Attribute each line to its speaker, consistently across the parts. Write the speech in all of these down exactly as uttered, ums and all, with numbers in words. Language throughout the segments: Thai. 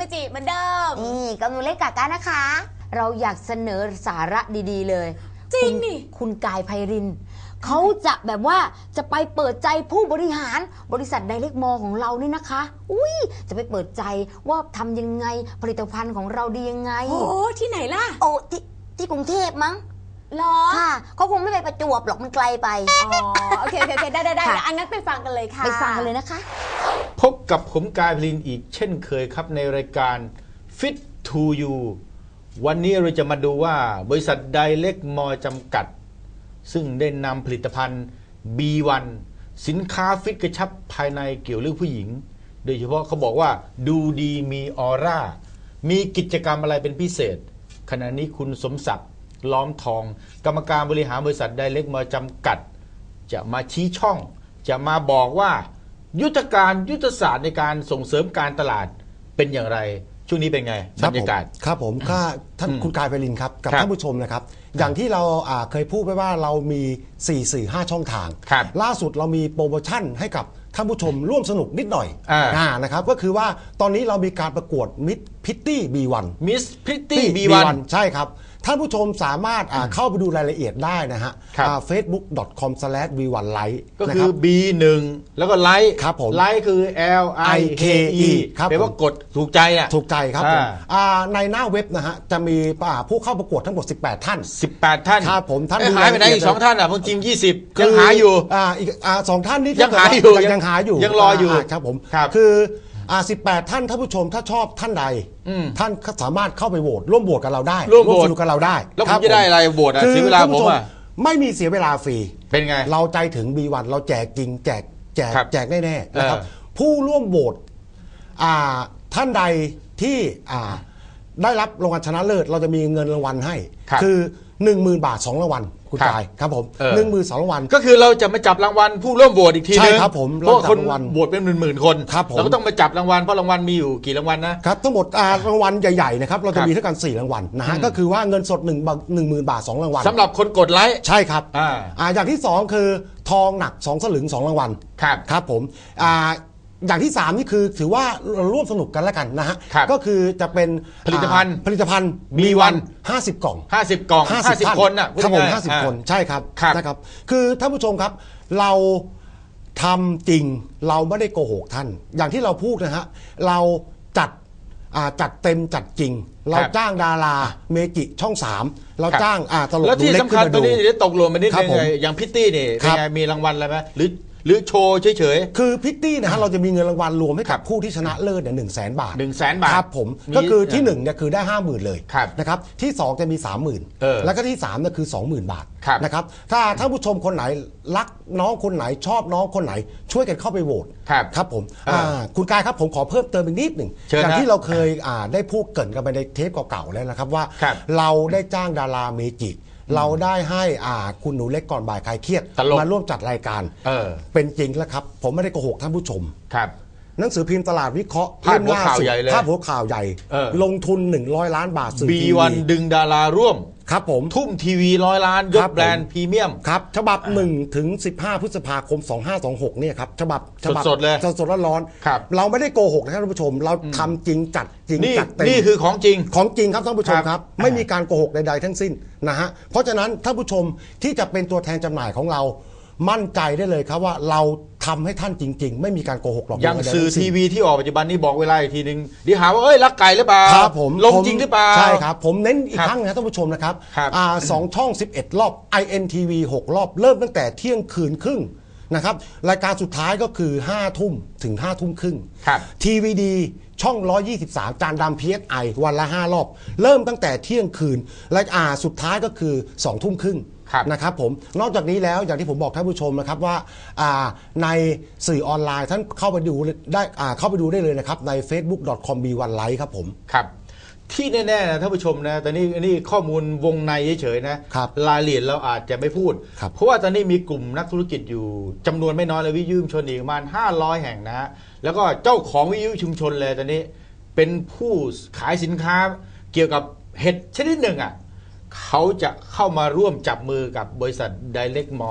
Speaker 1: จิเหมือนเดิม
Speaker 2: นี่กับหนูเล็กกากานะคะเราอยากเสนอสาระดีๆเลย
Speaker 1: จริงนี่
Speaker 2: คุณกายไพรินทร์เขาจะแบบว่าจะไปเปิดใจผู้บริหารบริษัทไดเรกมอลของเรานี่นะคะอุ้ยจะไปเปิดใจว่าทำยังไงผลิตภัณฑ์ของเราดียังไง
Speaker 1: โอ้ที่ไหนล่ะ
Speaker 2: โอ้ที่ที่กรุงเทพมั้ง
Speaker 1: หรอ
Speaker 2: ค่ะเขาคงไม่ไปประจวบหรอกมันไกลไป
Speaker 1: อ๋อโอเคโอเคได้ได้ได้อันนั้นไปฟังกันเลยค่ะ
Speaker 2: ไปฟังกันเลยนะคะ
Speaker 3: พบกับผมกายไพรินทร์อีกเช่นเคยครับในรายการ Fit to You วันนี้เราจะมาดูว่าบริษัทไดเรกมอลจำกัดซึ่งได้นำผลิตภัณฑ์ บี วัน สินค้าฟิตกระชับภายในเกี่ยวเรื่องผู้หญิงโดยเฉพาะเขาบอกว่าดูดีมีออร่ามีกิจกรรมอะไรเป็นพิเศษขณะนี้คุณสมศักดิ์ล้อมทองกรรมการบริหารบริษัทไดเรกมอลจำกัดจะมาชี้ช่องจะมาบอกว่ายุทธการยุทธศาสตร์ในการส่งเสริมการตลาดเป็นอย่างไรช่วงนี้เป็นไงบรรยากาศ
Speaker 4: ครับผมค่าท่านคุณกายไพรินทร์ครับกับท่านผู้ชมนะครับอย่างที่เราเคยพูดไปว่าเรามีสี่สื่อห้าช่องทางล่าสุดเรามีโปรโมชั่นให้กับท่านผู้ชมร่วมสนุกนิดหน่อยนะครับก็คือว่าตอนนี้เรามีการประกวดมิสพิตตี้ บี วัน
Speaker 3: มิสพิตตี้ บี วัน
Speaker 4: ใช่ครับท่านผู้ชมสามารถเข้าไปดูรายละเอียดได้นะฮะ เฟซบุ๊ก ดอท คอม สแลช วี วัน ไลท์
Speaker 3: ก็คือ บี หนึ่ง แล้วก็ไลท์
Speaker 4: ครับผม
Speaker 3: ไลท์คือ L I K E แปลว่ากดถูกใจอ่ะ
Speaker 4: ถูกใจครับผมในหน้าเว็บนะฮะจะมีผู้เข้าประกวดทั้งหมดสิบแปดท่าน
Speaker 3: สิบแปดท่าน
Speaker 4: ครับผมท่าน
Speaker 3: หายไปไหนอีกสองท่านอ่ะพวกทีมยี่สิบยังหาอยู่
Speaker 4: อ่าอีกสองท่านนี้
Speaker 3: ยังหาอยู่
Speaker 4: ยังหาอยู่
Speaker 3: ยังรออยู่
Speaker 4: ครับผมคืออ่าสิบแปดท่านท่านผู้ชมถ้าชอบท่านใดท่านสามารถเข้าไปโหวตร่วมโหวตกับเราได้
Speaker 3: ร่วมโหวต
Speaker 4: กับเราได้
Speaker 3: แล้วผมจะได้อะไรโหวตอ่ะเสียเวลาผมอ่ะ
Speaker 4: ไม่มีเสียเวลาฟรี
Speaker 3: เป็นไง
Speaker 4: เราใจถึง บี วัน เราแจกจริงแจกแจกแจกแน่ๆนะครับผู้ร่วมโหวตอ่าท่านใดที่อ่าได้รับรางวัลชนะเลิศเราจะมีเงินรางวัลให้คือ หนึ่งหมื่น บาทสองรางวัลคุณกายครับผมหนึ่งหมื่นสองรางวัล
Speaker 3: ก็คือเราจะมาจับรางวัลผู้ร่วมโหวตอีกทีนึง
Speaker 4: ใช่ครับผม
Speaker 3: เพราะคนโหวตเป็นหมื่นๆคนเราก็ต้องมาจับรางวัลเพราะรางวัลมีอยู่กี่รางวัลนะครับ
Speaker 4: ทั้งหมดรางวัลใหญ่ๆนะครับเราจะมีเท่ากันสี่รางวัลนะฮะก็คือว่าเงินสด1 1 0 0 0 0 บาทสองรางวัล
Speaker 3: สำหรับคนกดไลค์
Speaker 4: ใช่ครับอ่าอย่างที่สองคือทองหนักสองสลึงสองรางวัล
Speaker 3: ครับ
Speaker 4: ครับผมอ่าอย่างที่สามนี่คือถือว่าร่วมสนุกกันแล้วกันนะฮะก็คือจะเป็น
Speaker 3: ผลิตภัณฑ์
Speaker 4: ผลิตภัณฑ์ บี วัน ห้าสิบกล่อง
Speaker 3: ห้าสิบกล่องห้าสิบคนน่ะ
Speaker 4: ครับผมห้าสิบคนใช่ครับนะครับคือท่านผู้ชมครับเราทำจริงเราไม่ได้โกหกท่านอย่างที่เราพูดนะฮะเราจัดจัดเต็มจัดจริงเราจ้างดาราเมจิช่องสามเราจ้างตลกดูเล็ก
Speaker 3: แล้วที่สำคัญตัวนี้ได้ตกลงไปนิดนึงอย่างพิตตี้นี่เป็นไงมีรางวัลอะไรไหมหรือหรือโชว์เฉย
Speaker 4: ๆคือพิตตี้นะฮะเราจะมีเงินรางวัลรวมให้กับผู้ที่ชนะเลิศเนี่ยหนึ่งแสนบาท
Speaker 3: หนึ่งแสนบาท
Speaker 4: ครับผมก็คือที่หนึ่งเนี่ยคือได้ห้าหมื่นเลยนะครับที่สองจะมีสามหมื่นแล้วก็ที่สามเนี่ยคือสองหมื่นบาทนะครับถ้าท่านผู้ชมคนไหนรักน้องคนไหนชอบน้องคนไหนช่วยกันเข้าไปโหวตครับผมคุณกายครับผมขอเพิ่มเติมอีกนิดหนึ่งอย่างที่เราเคยได้พูดเกริ่นกันไปในเทปเก่าๆแล้วนะครับว่าเราได้จ้างดาราเมจิเราได้ให้อ่าคุณหนูเล็กก่อนบ่ายคลายเครียดมาร่วมจัดรายการเออเป็นจริงแล้วครับผมไม่ได้โกหกท่านผู้ชม
Speaker 3: ครับ
Speaker 4: หนังสือพิมพ์ตลาดวิเคราะห์
Speaker 3: ภาพหัวข่าวใหญ่เลย
Speaker 4: ภาพหัวข่าวใหญ่ลงทุนหนึ่งร้อยล้านบาท
Speaker 3: บี วัน ดึงดาราร่วม
Speaker 4: ครับผม
Speaker 3: ทุ่มทีวีร้อยล้านยกแบรนด์พรีเมียม
Speaker 4: ครับฉบับหนึ่งถึงสิบห้าพฤษภาคมสองห้าสองหกเนี่ยครับฉบับ
Speaker 3: สดๆเลย
Speaker 4: สดๆร้อนๆเราไม่ได้โกหกนะครับท่านผู้ชมเราทำจริงจัดจริงจัดเต็ม
Speaker 3: นี่คือของจริง
Speaker 4: ของจริงครับท่านผู้ชมครับไม่มีการโกหกใดๆทั้งสิ้นนะฮะเพราะฉะนั้นท่านผู้ชมที่จะเป็นตัวแทนจำหน่ายของเรามั่นใจได้เลยครับว่าเราทำให้ท่านจริงๆไม่มีการโกหกหรอก
Speaker 3: อย่างสื่อทีวีที่ออกปัจจุบันนี้บอกเวลาอีกทีนึงเดี๋ยวหาว่าเอ้ยรักไก่หรือเปล่า
Speaker 4: ครับผม
Speaker 3: ลงจริงหรือเปล่า
Speaker 4: ใช่ครับผมเน้นอีกครั้งนะท่านผู้ชมนะครับอ่าสองช่องสิบเอ็ดรอบ ไอ เอ็น ที วี หกรอบเริ่มตั้งแต่เที่ยงคืนครึ่งนะครับรายการสุดท้ายก็คือห้าทุ่มถึงห้าทุ่มครึ่งที วี ดี ช่องหนึ่งร้อยยี่สิบสามจานดำ พี เอส ไอ วันละห้ารอบเริ่มตั้งแต่เที่ยงคืนและอ่าสุดท้ายก็คือสองทุ่มครึ่งนะครับผมนอกจากนี้แล้วอย่างที่ผมบอกท่านผู้ชมนะครับว่าในสื่อออนไลน์ท่านเข้าไปดูได้เข้าไปดูได้เลยนะครับใน เฟซบุ๊ก ดอท คอม บี วัน ไลท์ ครับผม
Speaker 3: ครับที่แน่ๆนะท่านผู้ชมนะตอนนี้นี่ข้อมูลวงในเฉยๆนะรายละเอียดเราอาจจะไม่พูดเพราะว่าตอนนี้มีกลุ่มนักธุรกิจอยู่จำนวนไม่น้อยเลยวิทยุชุมชนอีกประมาณห้าร้อยแห่งนะฮะแล้วก็เจ้าของวิทยุชุมชนเลยตอนนี้เป็นผู้ขายสินค้าเกี่ยวกับเห็ดชนิดหนึ่งอ่ะเขาจะเข้ามาร่วมจับมือกับบริษัทไดเรกมอล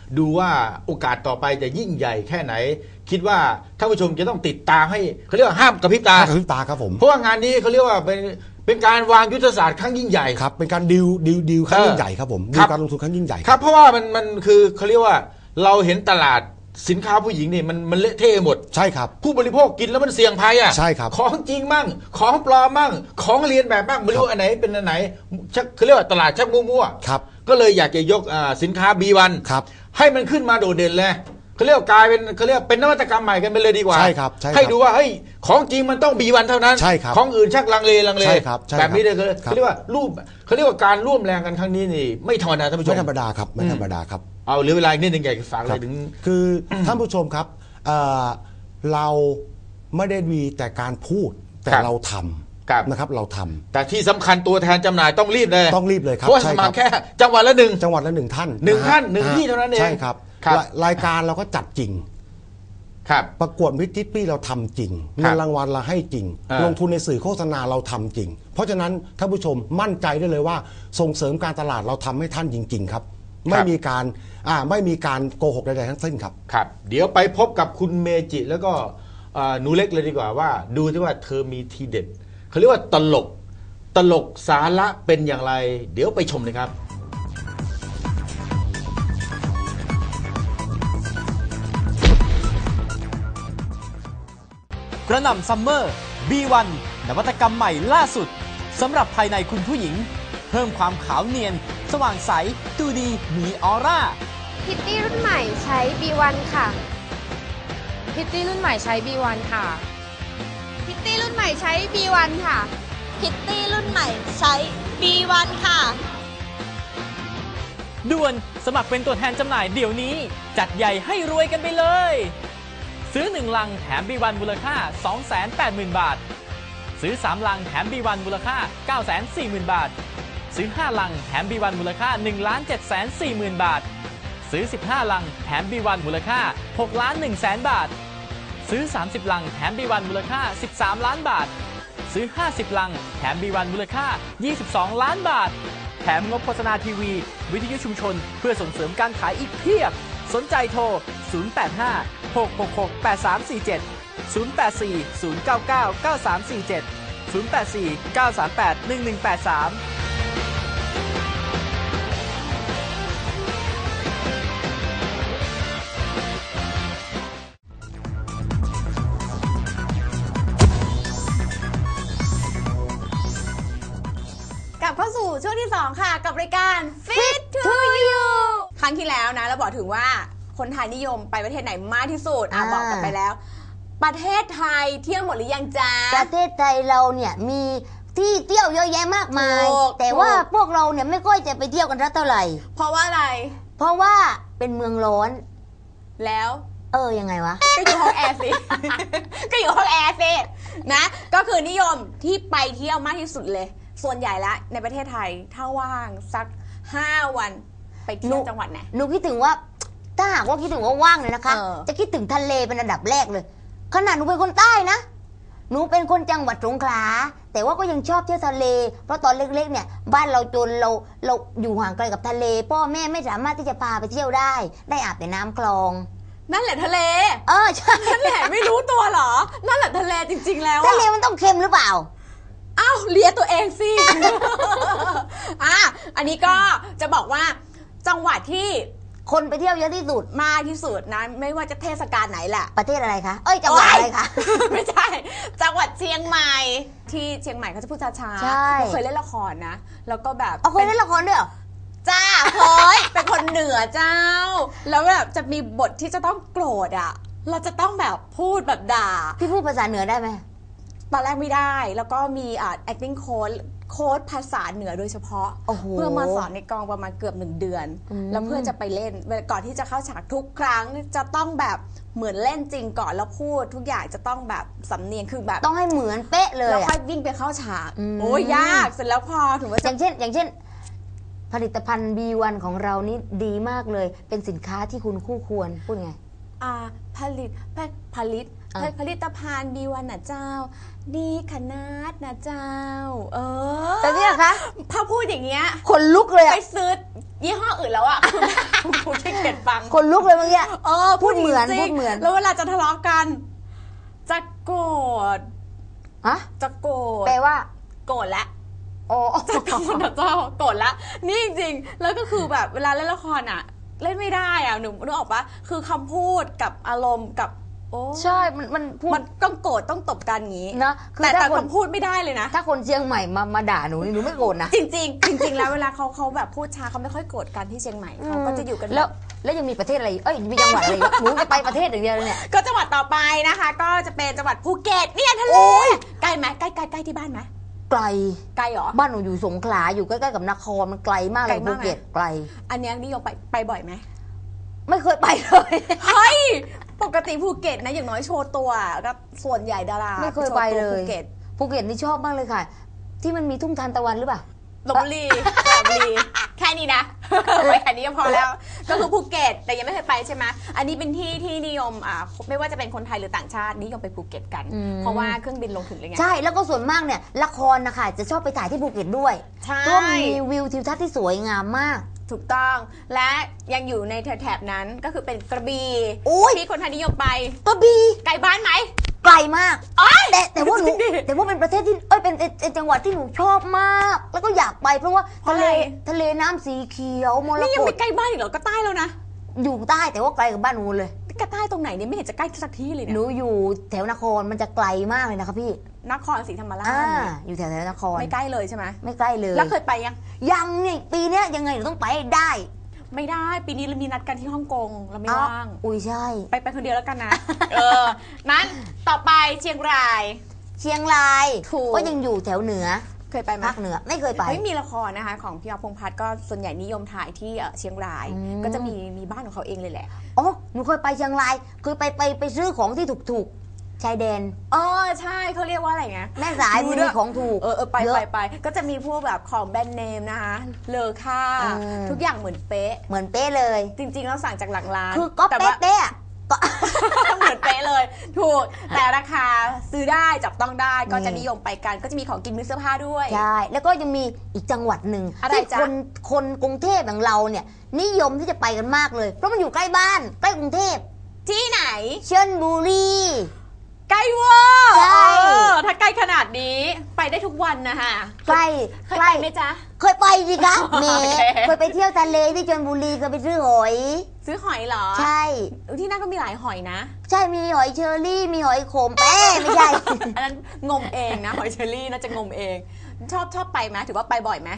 Speaker 3: ดูว่าโอกาสต่อไปจะยิ่งใหญ่แค่ไหน คิดว่าท่านผู้ชมจะต้องติดตามให้เขาเรียกว่าห้ามกระพริบตา
Speaker 4: ห้ามกระพริบตาครับผม
Speaker 3: เพราะว่างานนี้เขาเรียกว่าเป็นเป็นการวางยุทธศาสตร์ครั้งยิ่งใหญ่
Speaker 4: ครับเป็นการดิวดิวดิวครั้งยิ่งใหญ่ครับผมดิวการลงทุนครั้งยิ่งใหญ่
Speaker 3: ครับเพราะว่ามันมันคือเขาเรียกว่าเราเห็นตลาดสินค้าผู้หญิงนี่มันมันเละเทะหมด
Speaker 4: ใช่ครับ
Speaker 3: ผู้บริโภคกินแล้วมันเสี่ยงภัยอ่ะ
Speaker 4: ใช่ครับ
Speaker 3: ของจริงมั่งของปลอมมั่งของเรียนแบบมั่งไม่รู้อันไหนเป็นอันไหนชักเขาเรียกว่าตลาดชักมั่ว
Speaker 4: ๆครับ
Speaker 3: ก็เลยอยากจะยกสินค้า บี วัน
Speaker 4: ครับ
Speaker 3: ให้มันขึ้นมาโดดเด่นเลยเขาเรียกกลายเป็นเขาเรียกเป็นนวัตกรรมใหม่กันไปเลยดีกว่า
Speaker 4: ใช่ครับ
Speaker 3: ให้ดูว่าเฮ้ยของจริงมันต้อง บี วัน เท่านั้น
Speaker 4: ใช่ครับ
Speaker 3: ของอื่นชักลังเลลังเล
Speaker 4: ใช่ครับ
Speaker 3: แบบนี้เลยเขาเรียกว่ารูปเขาเรียกว่าการร่วมแรงกันครั้งนี้นี่ไม่ธรรมดาท่านผู้ชม
Speaker 4: ไม่ธรรมดาครับไม่ธรรมดาครับ
Speaker 3: เอาเหลือเวลาอีกนิดนึงอยากจะฝากอะไรถึง
Speaker 4: คือท่านผู้ชมครับเราไม่ได้มีแต่การพูดแต่เราทำนะครับเราทำ
Speaker 3: แต่ที่สำคัญตัวแทนจำหน่ายต้องรีบเลย
Speaker 4: ต้องรีบเลยครับ
Speaker 3: เพราะมาแค่จังหวัดละหนึ่ง
Speaker 4: จังหวัดละหนึ่งท่าน
Speaker 3: หนึ่งท่านหนึ่งที่เท่านั้นเอง
Speaker 4: ใช่ครับรายการเราก็จัดจริง
Speaker 3: ครับ
Speaker 4: ประกวดมิตรทิปีเราทำจริงเงินรางวัลเราให้จริงลงทุนในสื่อโฆษณาเราทำจริงเพราะฉะนั้นท่านผู้ชมมั่นใจได้เลยว่าส่งเสริมการตลาดเราทำให้ท่านจริงๆครับไม่มีการอ่าไม่มีการโกหกใดๆทั้งสิ้นครับ
Speaker 3: ครับเดี๋ยวไปพบกับคุณเมจิแล้วก็หนูเล็กเลยดีกว่าว่าดูที่ว่าเธอมีทีเด็ดเขาเรียกว่าตลกตลกสาระเป็นอย่างไรเดี๋ยวไปชมเลยครับ
Speaker 5: กระหน่ำซัมเมอร์ บี วัน นวัตกรรมใหม่ล่าสุดสำหรับภายในคุณผู้หญิงเพิ่มความขาวเนียนสว่างใสดูดีมีออร่า
Speaker 6: พิตตี้รุ่นใหม่ใช้ บี วัน ค่ะพิตตี้รุ่นใหม่ใช้ บี วัน ค่ะพิตตี้รุ่นใหม่ใช้ บี วัน ค่ะ
Speaker 1: พิตตี้รุ่นใหม่ใช้ บี วัน ค่ะ
Speaker 5: ด่วนสมัครเป็นตัวแทนจำหน่ายเดี๋ยวนี้จัดใหญ่ให้รวยกันไปเลยซื้อหนึ่งลังแถม บี วัน มูลค่า สองแสนแปดหมื่น บาทซื้อสามลังแถม บี วัน มูลค่า เก้าแสนสี่หมื่น บาทซื้อห้าลังแถม บี วัน มูลค่า หนึ่งล้านเจ็ดแสนสี่หมื่น บาทซื้อสิบห้าลังแถม บี วัน มูลค่า หกล้านหนึ่งแสน บาทซื้อสามสิบลังแถม บี วัน มูลค่า สิบสามล้านบาทซื้อห้าสิบลังแถม บี วัน มูลค่า ยี่สิบสองล้านบาทแถมงบโฆษณาทีวีวิทยุชุมชนเพื่อส่งเสริมการขายอีกเพียบสนใจโทรศูนย์ แปด ห้า หก หก หก แปด สาม สี่ เจ็ด ศูนย์ แปด สี่ ศูนย์ เก้า เก้า เก้า สาม สี่ เจ็ด ศูนย์ แปด สี่ เก้า สาม แปด หนึ่ง หนึ่ง แปด สาม
Speaker 1: เข้าสู่ช่วงที่สองค่ะกับรายการ Fit to You ครั้งที่แล้วนะเราบอกถึงว่าคนไทยนิยมไปประเทศไหนมากที่สุดอ่ะบอกกันไปแล้วประเทศไทยเที่ยวหมดหรือยังจ๊ะ
Speaker 2: ประเทศไทยเราเนี่ยมีที่เที่ยวเยอะแยะมากมายแต่ว่าพวกเราเนี่ยไม่ค่อยจะไปเที่ยวกันเท่าไหร่
Speaker 1: เพราะว่าอะไร
Speaker 2: เพราะว่าเป็นเมืองร้อน
Speaker 1: แล้ว
Speaker 2: เออยังไงวะ
Speaker 1: ก็อยู่ห้องแอร์สิก็อยู่ห้องแอร์สินะก็คือนิยมที่ไปเที่ยวมากที่สุดเลยส่วนใหญ่ละในประเทศไทยถ้าว่างสักห้าวันไปเที่ยวจังหวัดไหน
Speaker 2: หนูคิดถึงว่าถ้าหากว่าคิดถึงว่าว่างเลยนะคะจะคิดถึงทะเลเป็นอันดับแรกเลยขนาดหนูเป็นคนใต้นะหนูเป็นคนจังหวัดสงขลาแต่ว่าก็ยังชอบเที่ยวทะเลเพราะตอนเล็กๆเนี่ยบ้านเราจนเราเราอยู่ห่างไกลกับทะเลพ่อแม่ไม่สามารถที่จะพาไปเที่ยวได้ได้อาบแต่น้ำคลอง
Speaker 1: นั่นแหละทะเล
Speaker 2: เออใช่
Speaker 1: นั่นแหละไม่รู้ตัวหรอนั่นแหละทะเลจริงๆแล้ว
Speaker 2: ทะเลมันต้องเค็มหรือเปล่า
Speaker 1: อ้าวเลียตัวเองสิอ่ะอันนี้ก็จะบอกว่าจังหวัดที่
Speaker 2: คนไปเที่ยวเยอะที่สุด
Speaker 1: มากที่สุดนะไม่ว่าจะเทศกาลไหนแหละ
Speaker 2: ประเทศอะไรคะเอ้ยจังหวัดอะไรคะ
Speaker 1: ไม่ใช่จังหวัดเชียงใหม่ที่เชียงใหม่เขาจะพูดช้าๆเคยเล่นละครนะแล้วก็แบบ
Speaker 2: เคยเล่นละครด้วยเหรอ
Speaker 1: จ้าเฮ้ยเป็นคนเหนือเจ้าแล้วแบบจะมีบทที่จะต้องโกรธอ่ะเราจะต้องแบบพูดแบบด่า
Speaker 2: พี่พูดภาษาเหนือได้ไหม
Speaker 1: ตอนแรกไม่ได้แล้วก็มีอ่า acting coach โค้ดภาษาเหนือโดยเฉพาะเพื่อมาสอนในกองประมาณเกือบหนึ่งเดือนแล้วเพื่อจะไปเล่นก่อนที่จะเข้าฉากทุกครั้งจะต้องแบบเหมือนเล่นจริงก่อนแล้วพูดทุกอย่างจะต้องแบบสำเนียงคือแบบ
Speaker 2: ต้องให้เหมือนเป๊ะเลย
Speaker 1: แล้วค่อยวิ่งไปเข้าฉากโอ้ยยากเสร็จแล้วพอถึงว่า
Speaker 2: อย่างเช่นอย่างเช่นผลิตภัณฑ์ บี วัน ของเรานี่ดีมากเลยเป็นสินค้าที่คุณคู่ควรพูดไง
Speaker 1: อ่าผลิตผลิตผลิตภัณฑ์ บี วัน นะเจ้าดีขนาดนะเจ้าเออ
Speaker 2: แต่นี่เหรอคะ
Speaker 1: ถ้าพูดอย่างเงี้ย
Speaker 2: คนลุกเลย
Speaker 1: ไปซื้อยี่ห้ออื่นแล้วอ่ะคุณคุณขี้เกียจฟัง
Speaker 2: คนลุกเลยเมื่อกี้
Speaker 1: เออ
Speaker 2: พูดเหมือน
Speaker 1: จริงๆ
Speaker 2: พูดเหมือน
Speaker 1: แล้วเวลาจะทะเลาะกัน จะโกรธ
Speaker 2: ฮะ
Speaker 1: จะโกรธ
Speaker 2: แปลว่า
Speaker 1: โกรธแล้ว
Speaker 2: อ๋อ
Speaker 1: จะโกรธนะเจ้าโกรธละนี่จริงๆแล้วก็คือแบบเวลาเล่นละครอ่ะ เล่นไม่ได้อ่ะหนูนึกออกปะคือคำพูดกับอารมณ์กับโอ้
Speaker 2: ใช่มันมันพูด
Speaker 1: มันต้องโกรธต้องตบกันอย่างนี้
Speaker 2: นะคือ
Speaker 1: แต่
Speaker 2: ถ้า
Speaker 1: แต่
Speaker 2: คน
Speaker 1: คำพูดไม่ได้เลยนะ
Speaker 2: ถ้าคนเชียงใหม่มามาด่าหนูนี่หนูไม่โกรธนะ
Speaker 1: จริงๆ จริง ๆ แล้วเวลาเขาเขาแบบพูดช้าเขาไม่ค่อยโกรธกันที่เชียงใหม่เขาก็จะอยู่กัน
Speaker 2: แล้วแล้วยังมีประเทศอะไรเอ้ยมีจังหวัดอะไรอีกหนูจะไปประเทศอย่างเดียวเลยเนี่ย
Speaker 1: ก็จังหวัดต่อไปนะคะ ก็จะเป็นจังหวัดภูเก็ตเนี่ยทะเล
Speaker 2: โอ้ย
Speaker 1: ใกล้ไหมใกล้ใกล้ใกล้ที่บ้านไหม
Speaker 2: ไกล
Speaker 1: ไกลเหรอ
Speaker 2: บ้านหนูอยู่สงขลาอยู่ใกล้ๆกับนครมันไกลมากเลย
Speaker 1: ไกล
Speaker 2: ภู
Speaker 1: มากไหม
Speaker 2: เก็ตไกล
Speaker 1: อันเนี้ยนิยมไปไปบ่อยไหม
Speaker 2: ไม่เคยไปเลย
Speaker 1: เฮ้ยปกติภูเก็ตนะอย่างน้อยโชว์ตัวก็ส่วนใหญ่ดารา
Speaker 2: ไม่เคยไปเล
Speaker 1: โชว์ตั
Speaker 2: ย
Speaker 1: วภูเก็ต
Speaker 2: ภูเก็ตนี่ชอบมากเลยค่ะ ที่มันมีทุ่งทานตะวันหรือเปล่า
Speaker 1: ลพบุรีสระบุรีแค่นี้นะ ไปแค่นี้ก็พอแล้ว ก็คือภูเก็ตแต่ยังไม่เคยไปใช่ไหมอันนี้เป็นที่ที่นิยมอ่าไม่ว่าจะเป็นคนไทยหรือต่างชาตินิยมไปภูเก็ตกัน
Speaker 2: อืม
Speaker 1: เพราะว่าเครื่องบินลงถึงเลยไง
Speaker 2: ใช่แล้วก็ส่วนมากเนี่ยละครนะคะจะชอบไปถ่ายที่ภูเก็ตด้วย
Speaker 1: ใช่
Speaker 2: เพราะว่ามีวิวทิวทัศน์ที่สวยงามมาก
Speaker 1: ถูกต้องและยังอยู่ในแถบๆนั้นก็คือเป็นกระบี่
Speaker 2: โอ้ย
Speaker 1: ที่คนไทยนิยมไป
Speaker 2: กระบี่
Speaker 1: ไกลบ้านไหม
Speaker 2: ไกลมาก
Speaker 1: อ๋อ
Speaker 2: แต่แต่ว่าหนู
Speaker 1: จริงดิ
Speaker 2: แต่ว่าเป็นประเทศที่เอ้ยเป็นเป็นเป็นจังหวัดที่หนูชอบมาก แล้วก็อยากไปเพราะว่า
Speaker 1: เพราะ
Speaker 2: ทะ
Speaker 1: อะ
Speaker 2: เล
Speaker 1: ไร
Speaker 2: ทะเลน้ำสีเขียวมร
Speaker 1: นี่ยัง
Speaker 2: ก
Speaker 1: ไม่
Speaker 2: ต
Speaker 1: ใกล้บ้านอีกเหรอก็ใต้แล้วนะ
Speaker 2: อยู่ใต้แต่ว่าไกลกับบ้านหนูเลย
Speaker 1: ก็ใต้ตรงไหนเนี่ยไม่เห็นจะใกล้สักที่เลย
Speaker 2: ห
Speaker 1: เนี่ย
Speaker 2: นูอยู่แถวนครมันจะไกลมากเลยนะคะพี่
Speaker 1: นครศรีธรรมราช
Speaker 2: อ่า
Speaker 1: เนี่ย
Speaker 2: อยู่แถวแถวนคร
Speaker 1: ไม่ใกล้เลยใช่ไหม
Speaker 2: ไม่ใกล้เลย
Speaker 1: แล้วเคยไปยัง
Speaker 2: ยังเนี่ยปีเนี้ยยังไงหนูต้องไปให้ได้
Speaker 1: ไม่ได้ปีนี้เรามีนัดกันที่ฮ่องกงเราไม่
Speaker 2: อ้าว
Speaker 1: ว่าง
Speaker 2: อุ้ยใช่
Speaker 1: ไปไปคนเดียวแล้วกันนะ เออนั้นต่อไปเชียงราย
Speaker 2: เชียงราย
Speaker 1: ถูก
Speaker 2: ก็ยังอยู่แถวเหนือ
Speaker 1: เคยไปไหม
Speaker 2: ภาคเหนือไม่เคยไป
Speaker 1: ไม่มีละครนะคะของพี่อ๊อฟพงษ์พัฒน์ก็ส่วนใหญ่นิยมถ่ายที่เอ่อเชียงราย
Speaker 2: อืม
Speaker 1: ก็จะมีมีบ้านของเขาเองเลยแหละ
Speaker 2: อ๋อหนูเคยไปเชียงรายเคยไปไปไปซื้อของที่ถูกๆชายแดน
Speaker 1: เออใช่เขาเรียกว่าอะไรไง
Speaker 2: แม่สาย
Speaker 1: ดู
Speaker 2: มี
Speaker 1: ด้วย
Speaker 2: ของถูก
Speaker 1: เออเออไป
Speaker 2: เยอะ
Speaker 1: ไปไปก็จะมีพวกแบบของแบรนด์เนมนะคะเลอค่า
Speaker 2: เออ
Speaker 1: ทุกอย่างเหมือนเป๊ะ
Speaker 2: เหมือนเป๊ะเลย
Speaker 1: จริงๆเราสั่งจากหลังร้าน
Speaker 2: คือก็
Speaker 1: แต่
Speaker 2: เป๊ะ
Speaker 1: ว่า
Speaker 2: เป๊ะอะก็
Speaker 1: เหมือนเป๊ะเลย ถูกแต่ราคาซื้อได้จับต้องได้ก็จะ
Speaker 2: นี่
Speaker 1: นิยมไปกัน ก็จะมีของกินมือเสื้อผ้าด้วย
Speaker 2: ใช่ แล้วก็ยังมีอีกจังหวัดหนึ่ง
Speaker 1: อะไร
Speaker 2: ที่
Speaker 1: จ๊ะ
Speaker 2: คนคนกรุงเทพอย่างเราเนี่ย นิยมที่จะไปกันมากเลย เพราะมันอยู่ใกล้บ้าน ใกล้กรุงเทพ
Speaker 1: ที่ไหน
Speaker 2: เชียงบุรี
Speaker 1: ใกล้เวอร์
Speaker 2: ใช่
Speaker 1: เออถ้าใกล้ขนาดนี้ไปได้ทุกวันนะคะ
Speaker 2: ใกล้
Speaker 1: เคย
Speaker 2: ใก
Speaker 1: ไป
Speaker 2: ล้
Speaker 1: ไหมจ๊ะ
Speaker 2: เคยไปสิคะเม
Speaker 1: โอเค
Speaker 2: เคยไปเที่ยวทะเลที่ชลบุรีเคยไปซื้อหอย
Speaker 1: ซื้อหอยเหรอ
Speaker 2: ใช่
Speaker 1: ที่นั่นก็มีหลายหอยนะ
Speaker 2: ใช่มีหอยเชอรี่มีหอยขมเป้ไม่ใช่
Speaker 1: อันนั้นงมเองนะหอยเชอรี่น่าจะงมเอง ชอบชอบไปไหมถือว่าไปบ่อยไหม